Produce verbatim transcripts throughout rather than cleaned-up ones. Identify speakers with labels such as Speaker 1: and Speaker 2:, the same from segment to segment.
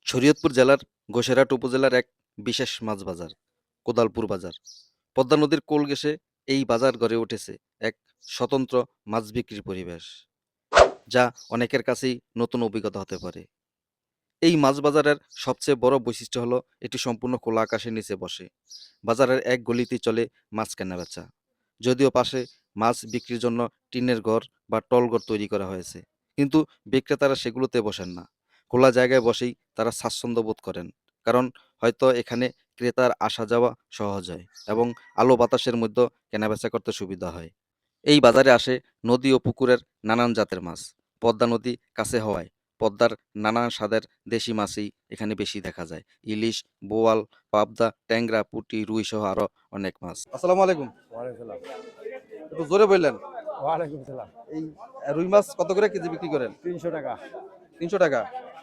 Speaker 1: শরীয়তপুর জেলার ঘোষেরহাট উপজেলার এক বিশেষ মাছ বাজার কোদালপুর বাজার। পদ্মা নদীর কোল ঘেঁষে এই বাজার গড়ে উঠেছে এক স্বতন্ত্র মাছ বিক্রির পরিবেশ, যা অনেকের কাছেই নতুন অভিজ্ঞতা হতে পারে। এই মাছ বাজারের সবচেয়ে বড় বৈশিষ্ট্য হলো এটি সম্পূর্ণ খোলা আকাশের নিচে বসে। বাজারের এক গলিতেই চলে মাছ কেনাবেচা, যদিও পাশে মাছ বিক্রির জন্য টিনের ঘর বা টলঘর তৈরি করা হয়েছে, কিন্তু বিক্রেতারা সেগুলোতে বসেন না। খোলা জায়গায় বসেই তারা স্বাচ্ছন্দ্য বোধ করেন, কারণ হয়তো এখানে ক্রেতার আসা যাওয়া সহজ হয় এবং আলো বাতাসের মধ্যে কেনাবেচা করতে সুবিধা হয়। এই বাজারে আসে নদী ও পুকুরের নানান জাতের মাছ। পদ্মা নদী কাছে হওয়ায় পদ্মার নানান স্বাদের দেশি মাছই এখানে বেশি দেখা যায়। ইলিশ, বোয়াল, পাবদা, ট্যাংরা, পুঁটি, রুই সহ আরো অনেক মাছ। আসসালামু আলাইকুম।
Speaker 2: ওয়ালাইকুম সালাম।
Speaker 1: একটু জোরে বললেন।
Speaker 2: ওয়ালাইকুম সালাম।
Speaker 1: এই রুই মাছ কত করে কেজি বিক্রি করেন?
Speaker 2: তিনশো টাকা
Speaker 1: তিনশো টাকা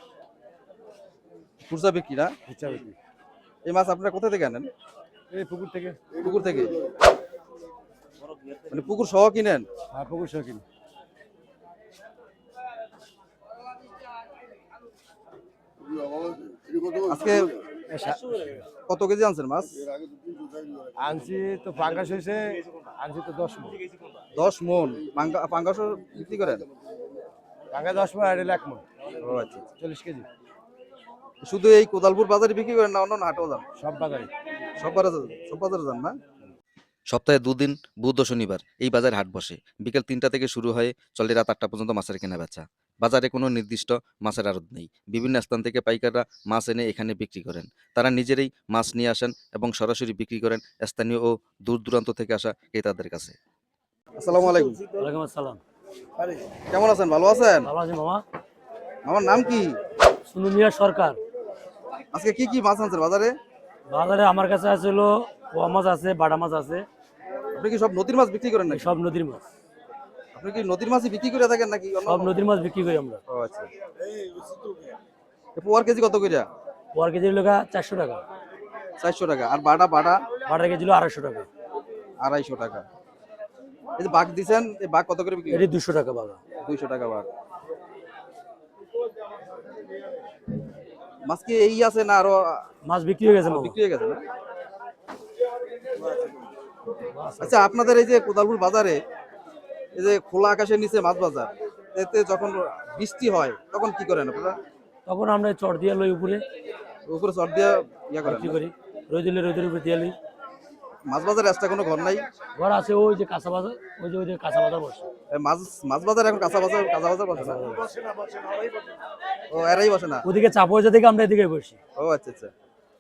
Speaker 1: খুচরা বিক্রি না?
Speaker 2: খুচরা বিক্রি।
Speaker 1: এই মাছ আপনারা কোথা থেকে আনেন?
Speaker 2: এই পুকুর থেকে।
Speaker 1: পুকুর থেকে? মানে পুকুর সহ কিনেন?
Speaker 2: হ্যাঁ, পুকুর সহ কিনি।
Speaker 1: আজকে
Speaker 2: এ সা-
Speaker 1: কত কেজি আনছেন মাছ?
Speaker 2: আনছি তো পাঙ্গাস হয়েছে, আনছি তো দশ মন।
Speaker 1: দশ মন পাঙ্গা পাঙ্গাসও বিক্রি করেন?
Speaker 2: পাঙ্গা দশ মন আর এটা এক মন,
Speaker 1: ও আচ্ছা আচ্ছা।
Speaker 2: চল্লিশ কেজি।
Speaker 1: শুধু এই কোদালপুর বাজারে বিক্রি করেন না অন্য হাটেও যান?
Speaker 2: সব বাজারে।
Speaker 1: সব বাজারে সব বাজারে যান না? সপ্তাহে দুদিন, বুধ ও শনিবার এই বাজার হাট বসে। বিকেল তিনটা থেকে শুরু হয়ে চলে রাত আটটা পর্যন্ত মাছের কেনা বেচা। বাজারে কোনো নির্দিষ্ট মাছের আড়ত নেই। বিভিন্ন স্থান থেকে পাইকাররা মাছ এনে এখানে বিক্রি করেন। তারা নিজেরাই মাছ নিয়ে আসেন এবং সরাসরি বিক্রি করেন স্থানীয় ও দূর দূরান্ত থেকে আসা ক্রেতাদের কাছে। আসসালামু আলাইকুম।
Speaker 2: ওয়ালাইকুম আসসালাম।
Speaker 1: কেমন আছেন? ভালো আছেন?
Speaker 2: ভালো আছি মামা।
Speaker 1: আমার নাম কি?
Speaker 2: সুনু মিয়া সরকার।
Speaker 1: আজকে কি কি মাছ আনছেন বাজারে?
Speaker 2: বাজারে আমার কাছে আছে হলো পোয়া মাছ আছে, বাটা মাছ আছে,
Speaker 1: আপনি কি সব নদীর মাছ বিক্রি করেন নাকি?
Speaker 2: সব নদীর মাছ।
Speaker 1: আপনি কি নদীর মাছই বিক্রি করে থাকেন নাকি অন্য
Speaker 2: সব
Speaker 1: কোনো?
Speaker 2: নদীর মাছ বিক্রি করি আমরা।
Speaker 1: ও আচ্ছা। এ পোয়ার কেজি কত কইরা?
Speaker 2: পোয়ার কেজি লোকা চারশো টাকা,
Speaker 1: চারশো টাকা। আর বাটা বাটা?
Speaker 2: বাটার কেজি হলো আড়াইশো টাকা,
Speaker 1: আড়াইশো টাকা। এই যে বাঘ দিছেন, এই বাঘ কত করে বিক্রি
Speaker 2: এটি
Speaker 1: করেন?
Speaker 2: দুশো টাকা বাগা।
Speaker 1: দুইশো টাকা বাঘ। মাছ কি এই আছে না আরো
Speaker 2: মাছ বিক্রি হয়ে গেছে মামা।
Speaker 1: বিক্রি হয়ে গেছে না? আচ্ছা, আপনাদের এই যে কোদালপুর বাজারে এই যে খোলা আকাশের নিচে মাছ বাজার, এতে যখন বৃষ্টি হয় তখন কি করেন আপনারা?
Speaker 2: তখন আমরা চট দিয়ে লই উপরে
Speaker 1: উপরে চট দিয়ে ইয়া করেন
Speaker 2: বিক্রি
Speaker 1: না?
Speaker 2: করি, রোদ দিলে রোদের উপরে দিয়ে লই।
Speaker 1: মাছ বাজারে এক্সট্রা কোনো ঘর নাই?
Speaker 2: ঘর আছে ওই যে কাঁচা বাজার, ওই যে ওই যে কাঁচা বাজার বসে।
Speaker 1: এ মাছ মাছ বাজার এখন কাঁচা বাজার কাঁচা বাজার বসে না? ও এরাই বসে না?
Speaker 2: ওদিকে চাপ হয়ে থেকে আমরা এদিকে বসি।
Speaker 1: ও আচ্ছা আচ্ছা।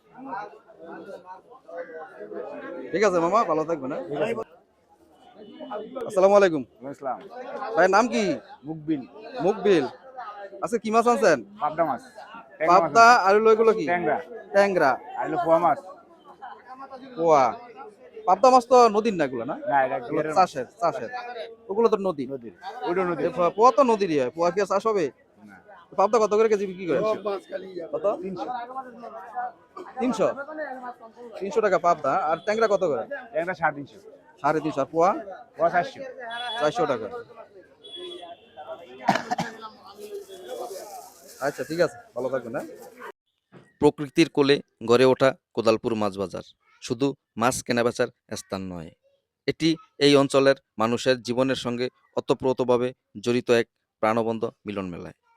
Speaker 1: ঠিক আছে মামা, ভালো থাকবেন। হ্যাঁ, আসসালামু আলাইকুম।
Speaker 2: ইসলাম।
Speaker 1: ভাই নাম কি?
Speaker 2: মুকবিল।
Speaker 1: মুকবিল। আজকে কি মাছ আনছেন?
Speaker 2: পাবদা মাছ।
Speaker 1: পাবদা আর হলো এগুলো কি?
Speaker 2: ট্যাংরা।
Speaker 1: ট্যাংরা।
Speaker 2: আর হলো পোয়া মাছ।
Speaker 1: পোয়া। পাবদা মাছ তো নদীর না এগুলো না?
Speaker 2: না, এটা
Speaker 1: এগুলো চাষের চাষের। ওগুলো তো নদী।
Speaker 2: নদীর। ওইটা নদী।
Speaker 1: এ পো- পোয়া তো নদীরই হয়। পোয়া কি আর চাষ হবে?
Speaker 2: না।
Speaker 1: পাবদা কত করে কেজি বিক্রি করেন? কত?
Speaker 2: তিনশো।
Speaker 1: তিনশো। তিনশো টাকা পাবদা। আর ট্যাংরা কত করে?
Speaker 2: ট্যাংরা সাড়ে তিনশো।
Speaker 1: সাড়ে তিনশো। আর পোয়া?
Speaker 2: পোয়া চারশো।
Speaker 1: চারশো টাকা। আচ্ছা ঠিক আছে, ভালো থাকবেন। হ্যাঁ, প্রকৃতির কোলে গড়ে ওঠা কোদালপুর মাছ বাজার শুধু মাছ কেনাবেচার স্থান নয়, এটি এই অঞ্চলের মানুষের জীবনের সঙ্গে ওতপ্রোতভাবে জড়িত এক প্রাণবন্ত মিলন মেলায়।